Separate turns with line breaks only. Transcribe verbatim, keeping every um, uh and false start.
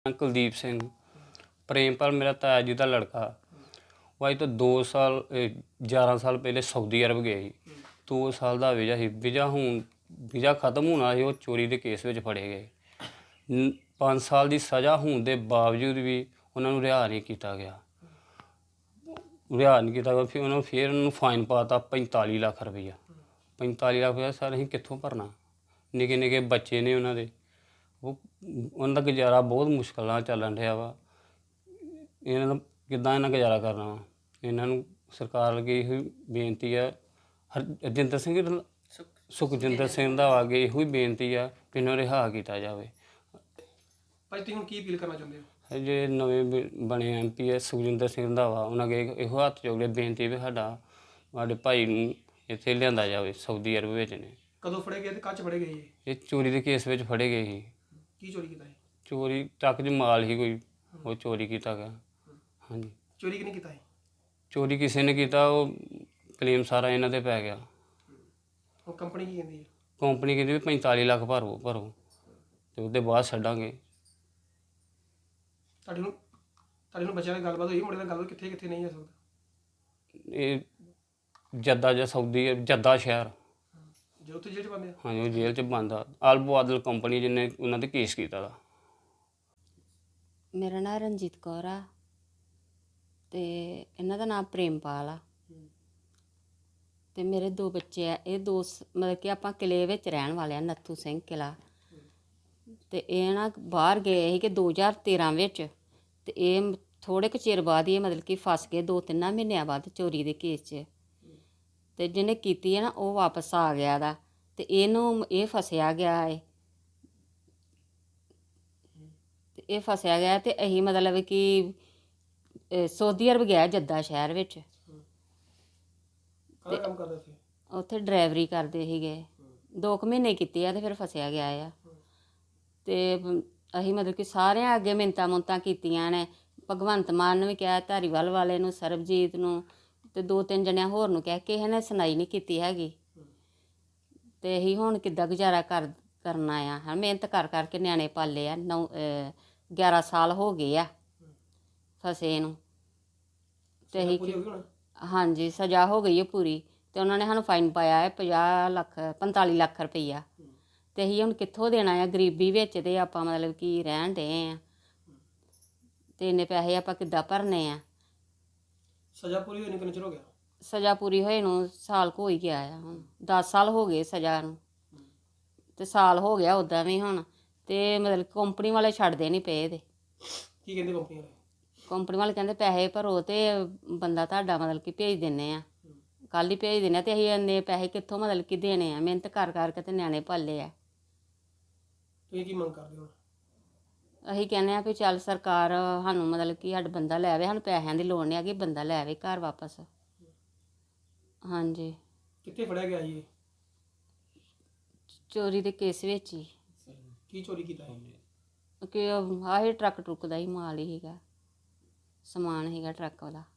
कुलदीप सिंह प्रेमपाल मेरा ताया जी का लड़का। वो अज तो दो साल ग्यारह साल पहले सऊदी अरब गए ही। दो साल का वीज़ा ही वीज़ा हूँ वीज़ा खत्म होना ही वो चोरी के केस में फड़े गए। पाँच साल की सज़ा होने के बावजूद भी उन्होंने रिहा नहीं किया गया रिहा नहीं किया गया फिर उन्होंने फिर उन्होंने फाइन पाता पैंताली लाख रुपया। पैंताली लाख रुपया सर अं कितों भरना, निके निके बच्चे ने उन्होंने वो उनका गुजारा बहुत मुश्किल नाल चलन रहा वा। इन्होंने किद्दां इन्हां गुजारा करना वा। इन्होंने सरकार अगे इहो बेनती है, हरजिंदर सिंह सुखजिंदर सिंह दा अगे इहो बेनती है कि इन्हों रिहा किया जाए।
भाई तुसीं हुण की अपील करना चाहुंदे हो?
जे नवें बने एम पी है सुखजिंदर सिंह रंधावा उन्होंने अगे इहो हत्थ जोड़े बेनती भी साडा साडे भाई नूं इत्थे लिआंदा जाए सऊदी अरब विच ने।
कदों फड़े गए ते कद च फड़े गए?
ये चोरी के केस में फड़े गए ही।
की चोरी कीता है?
चोरी ट्रक च माल ही कोई वो चोरी किया गया। हाँ जी
चोरी किने कीता है?
चोरी किसी ने किया वो क्लेम सारा इन्हों पर पै गया।
वो कंपनी की कहती है?
कंपनी कहती भी पैंताली लाख भरो भरो तो उसके बाद छड्डांगे।
ਤੁਹਾਡੇ ਨੂੰ ਤੁਹਾਡੇ ਨੂੰ ਬੱਚਿਆਂ ਨਾਲ ਗੱਲਬਾਤ ਹੋਈ ਮੁੰਡੇ ਨਾਲ ਗੱਲਬਾਤ ਕਿੱਥੇ ਕਿੱਥੇ ਨਹੀਂ ਹੋ ਸਕਦਾ?
ਇਹ ਜੱਦਾ ਜਾਂ ਸਊਦੀ ਜੱਦਾ ਸ਼ਹਿਰ
ਜੇ ਉੱਥੇ ਜੇਲ੍ਹ ਚ ਬੰਦੇ ਆ?
ਹਾਂਜੀ ਉਹ ਜੇਲ੍ਹ 'ਚ ਬੰਦ ਆ। ਅਲਬੋ ਆਦਲ ਕੰਪਨੀ ਜਿਹਨੇ ਉਹਨਾਂ 'ਤੇ ਕੇਸ ਕੀਤਾ ਦਾ।
ਮੇਰਾ ਨਾਂ ਰਣਜੀਤ ਕੌਰ ਆ ਤੇ ਇਹਨਾਂ ਦਾ ਨਾਮ ਪ੍ਰੇਮਪਾਲ ਆ ਤੇ ਮੇਰੇ ਦੋ ਬੱਚੇ ਆ। ਇਹ ਦੋ ਮਤਲਬ ਕਿ ਆਪਾਂ ਕਿਲੇ ਵਿੱਚ ਰਹਿਣ ਵਾਲੇ ਆ, ਨੱਥੂ ਸਿੰਘ ਕਿਲਾ। ਤੇ ਇਹ ਨਾ ਬਾਹਰ ਗਏ ਸੀ ਕਿ ਦੋ ਹਜ਼ਾਰ ਤੇਰਾਂ ਵਿੱਚ ਤੇ ਇਹ ਥੋੜ੍ਹੇ ਕੁ ਚਿਰ ਬਾਅਦ ਹੀ ਮਤਲਬ ਕਿ ਫਸ ਗਏ ਦੋ ਤਿੰਨਾਂ ਮਹੀਨਿਆਂ ਬਾਅਦ ਚੋਰੀ ਦੇ ਕੇਸ 'ਚ। ਤੇ ਜਿਹਨੇ ਕੀਤੀ ਹੈ ਨਾ ਉਹ ਵਾਪਸ ਆ ਗਿਆ ਦਾ ਤੇ ਇਹਨੂੰ ਇਹ ਫਸਿਆ ਗਿਆ ਹੈ ਤੇ ਇਹ ਫਸਿਆ ਗਿਆ ਤੇ ਅਸੀਂ ਮਤਲਬ ਕਿ ਸਊਦੀ ਅਰਬ ਗਿਆ ਜੱਦਾ ਸ਼ਹਿਰ ਵਿੱਚ।
ਕਾਹਦਾ ਕੰਮ ਕਰਦਾ ਸੀ?
ਉੱਥੇ ਡਰਾਈਵਰੀ ਕਰਦੇ ਸੀਗੇ। ਦੋ ਕੁ ਮਹੀਨੇ ਕੀਤੇ ਆ ਤੇ ਫਿਰ ਫਸਿਆ ਗਿਆ ਆ। ਤੇ ਅਸੀਂ ਮਤਲਬ ਕਿ ਸਾਰਿਆਂ ਅੱਗੇ ਮਿੰਨਤਾਂ ਮੁੰਨਤਾਂ ਕੀਤੀਆਂ ਨੇ। ਭਗਵੰਤ ਮਾਨ ਨੂੰ ਵੀ ਕਿਹਾ, ਧਾਰੀਵਾਲ ਵਾਲੇ ਨੂੰ, ਸਰਬਜੀਤ ਨੂੰ ਤੇ ਦੋ ਤਿੰਨ ਜਣਿਆਂ ਹੋਰ ਨੂੰ ਕਹਿ ਕੇ ਕਿਸੇ ਨੇ ਸੁਣਾਈ ਨਹੀਂ ਕੀਤੀ ਹੈਗੀ। ਤੇ ਅਸੀਂ ਹੁਣ ਕਿੱਦਾਂ ਗੁਜ਼ਾਰਾ ਕਰ ਕਰਨਾ ਆ। ਹਾਂ ਮਿਹਨਤ ਕਰ ਕਰਕੇ ਨਿਆਣੇ ਪਾਲੇ ਆ। ਨੌ ਗਿਆਰਾਂ ਸਾਲ ਹੋ ਗਏ ਆ ਫਸੇ ਨੂੰ। ਤੇ ਅਸੀਂ ਹਾਂਜੀ ਸਜ਼ਾ ਹੋ ਗਈ ਹੈ ਪੂਰੀ। ਤੇ ਉਹਨਾਂ ਨੇ ਸਾਨੂੰ ਫਾਈਨ ਪਾਇਆ ਹੈ ਪੰਜਾਹ ਲੱਖ ਪੰਤਾਲੀ ਲੱਖ ਰੁਪਈਆ। ਤੇ ਅਸੀਂ ਹੁਣ ਕਿੱਥੋਂ ਦੇਣਾ ਆ? ਗਰੀਬੀ ਵਿੱਚ ਤੇ ਆਪਾਂ ਮਤਲਬ ਕਿ ਰਹਿਣ ਡੇ ਆ ਤੇ ਇੰਨੇ ਪੈਸੇ ਆਪਾਂ ਕਿੱਦਾਂ ਭਰਨੇ ਆ?
ਸਜ਼ਾ ਪੂਰੀ ਹੋਈ ਨੂੰ ਕਿੰਨਾ ਚਿਰ ਹੋ ਗਿਆ?
ਸਜ਼ਾ ਪੂਰੀ ਹੋਏ ਨੂੰ ਸਾਲ ਕੁ ਹੋ ਹੀ ਗਿਆ ਆ। ਹੁਣ ਦਸ ਸਾਲ ਹੋ ਗਏ ਸਜ਼ਾ ਨੂੰ ਤੇ ਸਾਲ ਹੋ ਗਿਆ ਉੱਦਾਂ ਵੀ ਹੁਣ। ਤੇ ਮਤਲਬ ਕੰਪਨੀ ਵਾਲੇ ਛੱਡਦੇ ਨਹੀਂ ਪਏ ਇਹਦੇ।
ਕੀ ਕਹਿੰਦੇ ਕੰਪਨੀ ਵਾਲੇ?
ਕੰਪਨੀ ਵਾਲੇ ਕਹਿੰਦੇ ਪੈਸੇ ਭਰੋ ਤੇ ਬੰਦਾ ਤੁਹਾਡਾ ਮਤਲਬ ਕਿ ਭੇਜ ਦਿੰਦੇ ਆ, ਕੱਲ੍ਹ ਹੀ ਭੇਜ ਦਿੰਦੇ ਆ। ਤੇ ਅਸੀਂ ਇੰਨੇ ਪੈਸੇ ਕਿੱਥੋਂ ਮਤਲਬ ਕਿ ਦੇਣੇ ਆ? ਮਿਹਨਤ ਕਰ ਕਰਕੇ ਤੇ ਨਿਆਣੇ ਪਾਲੇ ਆ।
ਤੁਸੀਂ ਕੀ ਮੰਗ ਕਰਦੇ ਹੋ?
ਅਸੀਂ ਕਹਿੰਦੇ ਆ ਵੀ ਚੱਲ ਸਰਕਾਰ ਸਾਨੂੰ ਮਤਲਬ ਕਿ ਸਾਡਾ ਬੰਦਾ ਲੈ ਆਵੇ। ਸਾਨੂੰ ਪੈਸਿਆਂ ਦੀ ਲੋੜ ਨਹੀਂ ਹੈਗੀ, ਬੰਦਾ ਲੈ ਆਵੇ ਘਰ ਵਾਪਸ। ਹਾਂਜੀ
ਕਿੱਥੇ ਫੜਿਆ ਗਿਆ ਜੀ?
ਚੋਰੀ ਦੇ ਕੇਸ ਵਿੱਚ ਹੀ।
ਕੀ ਚੋਰੀ ਕੀਤਾ ਹੈ?
ਕਿ ਆਹੀ ਟਰੱਕ ਟਰੁੱਕ ਦਾ ਹੀ ਮਾਲ ਹੀ ਸੀਗਾ, ਸਮਾਨ ਸੀਗਾ ਟਰੱਕ ਵਾਲਾ।